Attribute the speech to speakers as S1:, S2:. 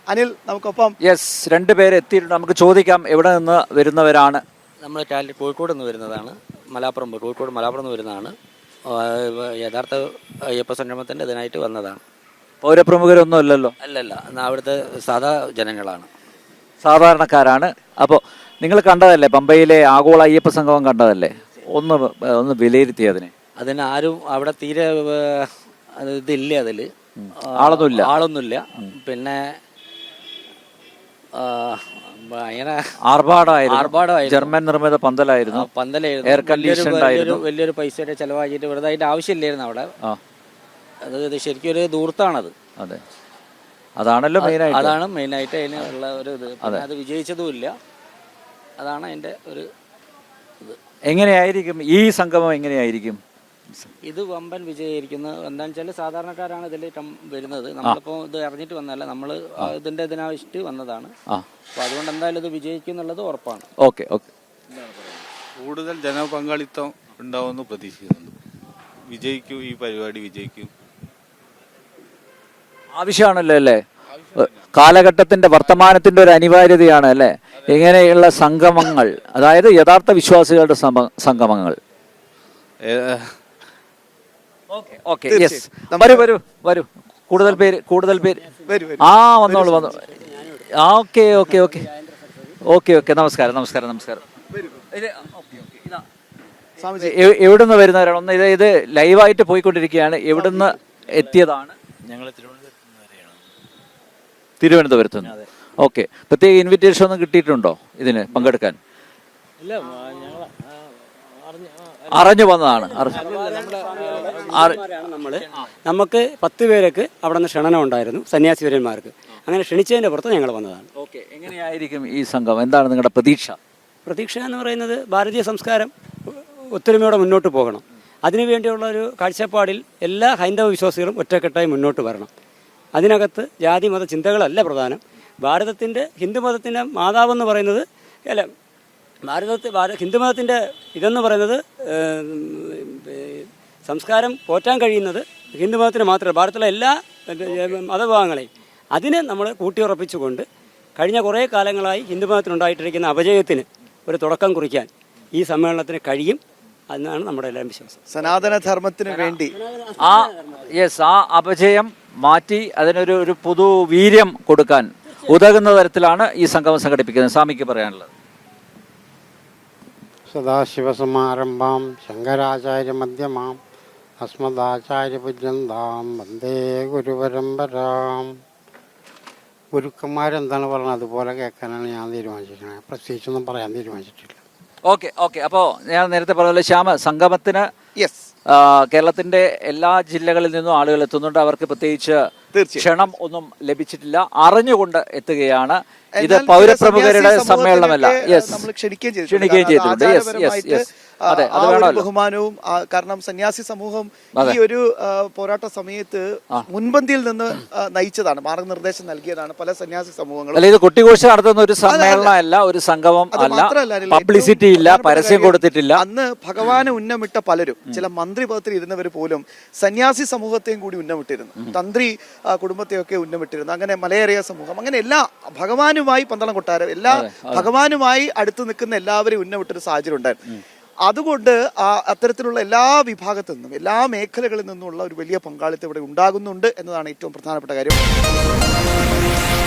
S1: അനിൽ നമുക്കൊപ്പം.
S2: യെസ്, രണ്ടുപേരെ എത്തിയിട്ടുണ്ട്. നമുക്ക് ചോദിക്കാം എവിടെ നിന്ന് വരുന്നവരാണ്.
S3: നമ്മൾ കോഴിക്കോട് നിന്ന് വരുന്നതാണ്. കോഴിക്കോട് മലപ്പുറം നിന്ന് വരുന്നതാണ്. യഥാർത്ഥ അയ്യപ്പ സംഗമത്തിൻ്റെ ഇതിനായിട്ട് വന്നതാണ്.
S2: പൗരപ്രമുഖരൊന്നും അല്ലല്ലോ?
S3: അല്ലല്ല, അവിടുത്തെ സാധാ ജനങ്ങളാണ്,
S2: സാധാരണക്കാരാണ്. അപ്പോൾ നിങ്ങൾ കണ്ടതല്ലേ, പമ്പയിലെ ആഗോള അയ്യപ്പ സംഗമം കണ്ടതല്ലേ? ഒന്ന് വിലയിരുത്തി
S3: അതിന് ആരും അവിടെ തീരെ ഇതില്ല, അതിൽ ആളൊന്നുമില്ല. പിന്നെ ഭയങ്കര ആർഭാടമായിരുന്നു.
S2: ജർമ്മൻ നിർമ്മിത പന്തലായിരുന്നു. എയർ കണ്ടീഷൻഡ് ആയിരുന്നു.
S3: വലിയൊരു പൈസയുടെ ചെലവാക്കിയിട്ട് വെറുതെ അതിന്റെ ആവശ്യമില്ലായിരുന്നു അവിടെ. അത് ശരിക്കും ഒരു ദൂർത്താണത്.
S2: അതെ, അതാണല്ലോ മെയിനായിട്ട്.
S3: അതാണ് മെയിനായിട്ട് അതിനുള്ള ഒരു ഇത്. അത് വിജയിച്ചതുമില്ല. അതാണ് അതിന്റെ ഒരു ഇത്.
S2: എങ്ങനെയായിരിക്കും ഈ സംഗമം? എങ്ങനെയായിരിക്കും
S3: ഇത്? വമ്പൻ വിജയിക്കുന്നത് എന്താണെന്ന് വെച്ചാൽ സാധാരണക്കാരാണ് ഇതിൽ വരുന്നത്. നമ്മളിപ്പോൾ ഇത് അറിഞ്ഞിട്ട് വന്നതല്ല, നമ്മൾ ഇതിന്റെ ഇതിനാവശ്യമായിട്ട് വന്നതാണ്. അപ്പോൾ അതുകൊണ്ട് എന്തായാലും ഇത് വിജയിക്കും എന്നുള്ളത് ഉറപ്പാണ്.
S2: Okay okay.
S4: കൂടുതൽ ജനപങ്കാളിത്തം ഉണ്ടാവുമെന്ന് പ്രതീക്ഷിക്കുന്നുണ്ട്. വിജയിക്കും, ഈ പരിപാടി വിജയിക്കും.
S2: ആവശ്യമാണല്ലോ അല്ലേ? കാലഘട്ടത്തിന്റെ വർത്തമാനത്തിന്റെ ഒരു അനിവാര്യതയാണ് അല്ലേ ഇങ്ങനെയുള്ള സംഗമങ്ങൾ, അതായത് യഥാർത്ഥ വിശ്വാസികളുടെ സംഗമങ്ങൾ. ഓക്കെ, യെസ്, വരൂ. കൂടുതൽ പേര് വന്നോളൂ. Okay okay okay okay okay. നമസ്കാരം. എവിടുന്ന് വരുന്നവരാണ്? ഒന്ന് ഇത് ലൈവായിട്ട് പോയിക്കൊണ്ടിരിക്കുകയാണ്. എവിടുന്ന് എത്തിയതാണ്?
S5: ഞങ്ങൾ
S2: തിരുവനന്തപുരത്ത് നിന്ന്. ഓക്കെ. പ്രത്യേക ഇൻവിറ്റേഷൻ ഒന്നും കിട്ടിയിട്ടുണ്ടോ ഇതിന് പങ്കെടുക്കാൻ? അറിഞ്ഞു വന്നതാണ്.
S6: നമുക്ക് 10 പേർക്ക് അവിടെ നിന്ന് ക്ഷണനം ഉണ്ടായിരുന്നു, സന്യാസിവര്യന്മാർക്ക്. അങ്ങനെ ക്ഷണിച്ചതിന്റെ പുറത്ത് ഞങ്ങൾ വന്നതാണ്.
S2: ഓക്കെ. എങ്ങനെയായിരിക്കും ഈ സംഘം? എന്താണ് നിങ്ങളുടെ പ്രതീക്ഷ
S6: എന്ന് പറയുന്നത് ഭാരതീയ സംസ്കാരം ഒത്തൊരുമയോടെ മുന്നോട്ട് പോകണം. അതിനുവേണ്ടിയുള്ള ഒരു കാഴ്ചപ്പാടിൽ എല്ലാ ഹൈന്ദവ വിശ്വാസികളും ഒറ്റക്കെട്ടായി മുന്നോട്ട് വരണം. അതിനകത്ത് ജാതി മത ചിന്തകളല്ല പ്രധാനം. ഹിന്ദുമതത്തിൻ്റെ മാതാവെന്ന് പറയുന്നത് ഹിന്ദുമതത്തിൻ്റെ ഇതെന്ന് പറയുന്നത് സംസ്കാരം പോറ്റാൻ കഴിയുന്നത് ഹിന്ദുമതത്തിന് മാത്രമല്ല, ഭാരതത്തിലെ എല്ലാ മതവിഭാഗങ്ങളെയും അതിനെ നമ്മൾ കൂട്ടിയുറപ്പിച്ചുകൊണ്ട് കഴിഞ്ഞ കുറേ കാലങ്ങളായി ഹിന്ദുമതത്തിനുണ്ടായിട്ടിരിക്കുന്ന അപജയത്തിന് ഒരു തുടക്കം കുറിക്കാൻ ഈ സമ്മേളനത്തിന് കഴിയും എന്നാണ് നമ്മുടെ എല്ലാവരും വിശ്വാസം.
S1: സനാതനധർമ്മത്തിന് വേണ്ടി
S2: ആ അപജയം മാറ്റി അതിനൊരു പുതു വീര്യം കൊടുക്കാൻ ഉതകുന്ന തരത്തിലാണ് ഈ സംഗമം സംഘടിപ്പിക്കുന്നത്. സ്വാമിക്ക് പറയാനുള്ളത്?
S7: സദാശിവസമാരംഭാം ശങ്കരാചാര്യ മധ്യമാം അസ്മദാചാര്യപര്യന്താം വന്ദേ ഗുരുപരമ്പരാം. ഗുരുക്കന്മാരെന്താണ് പറഞ്ഞത് അതുപോലെ കേൾക്കാനാണ് ഞാൻ തീരുമാനിച്ചിരിക്കുന്നത്. പ്രത്യേകിച്ചൊന്നും പറയാൻ തീരുമാനിച്ചിട്ടില്ല.
S2: ഓക്കെ. അപ്പോൾ ഞാൻ നേരത്തെ പറഞ്ഞ ശ്യാമ സംഗമത്തിന് കേരളത്തിന്റെ എല്ലാ ജില്ലകളിൽ നിന്നും ആളുകൾ എത്തുന്നുണ്ട്. അവർക്ക് പ്രത്യേകിച്ച് ക്ഷണം ഒന്നും ലഭിച്ചിട്ടില്ല, അറിഞ്ഞുകൊണ്ട് എത്തുകയാണ്. ഇത് പൗരപ്രമുഖരുടെ സമ്മേളനമല്ല. ക്ഷണിക്കുകയും ചെയ്തിട്ടുണ്ട്. അതെ, അത് വേണമല്ലോ.
S1: ബഹുമാനവും. കാരണം സന്യാസി സമൂഹം ഈ ഒരു പോരാട്ട സമയത്ത് മുൻപന്തിയിൽ നിന്ന് നയിച്ചതാണ്, മാർഗനിർദ്ദേശം നൽകിയതാണ് പല സന്യാസി സമൂഹങ്ങളും.
S2: അല്ല, ഇത് കൊട്ടിഘോഷ നടത്തുന്ന ഒരു സമ്മേളനമല്ല, ഒരു സംഗമം അല്ല. പബ്ലിസിറ്റി ഇല്ല, പരസ്യം കൊടുത്തിട്ടില്ല.
S1: അന്ന് ഭഗവാനെ ഉന്നമിട്ട പലരും, ചില മന്ത്രി പദത്തിൽ ഇരുന്നവർ പോലും സന്യാസി സമൂഹത്തെയും കൂടി ഉന്നമിട്ടിരുന്നു, തന്ത്രി കുടുംബത്തെയൊക്കെ ഉന്നമിട്ടിരുന്നു. അങ്ങനെ മലയേറിയ സമൂഹം, അങ്ങനെ എല്ലാ ഭഗവാനുമായി പന്തളം കൊട്ടാരം, എല്ലാ ഭഗവാനുമായി അടുത്ത് നിൽക്കുന്ന എല്ലാവരെയും ഉന്നമിട്ടൊരു സാഹചര്യം ഉണ്ടായിരുന്നു. അതുകൊണ്ട് അത്തരത്തിലുള്ള എല്ലാ വിഭാഗത്തു നിന്നും, എല്ലാ മേഖലകളിൽ നിന്നുമുള്ള ഒരു വലിയ പങ്കാളിത്തം ഇവിടെ ഉണ്ടാകുന്നുണ്ട് എന്നതാണ് ഏറ്റവും പ്രധാനപ്പെട്ട കാര്യം.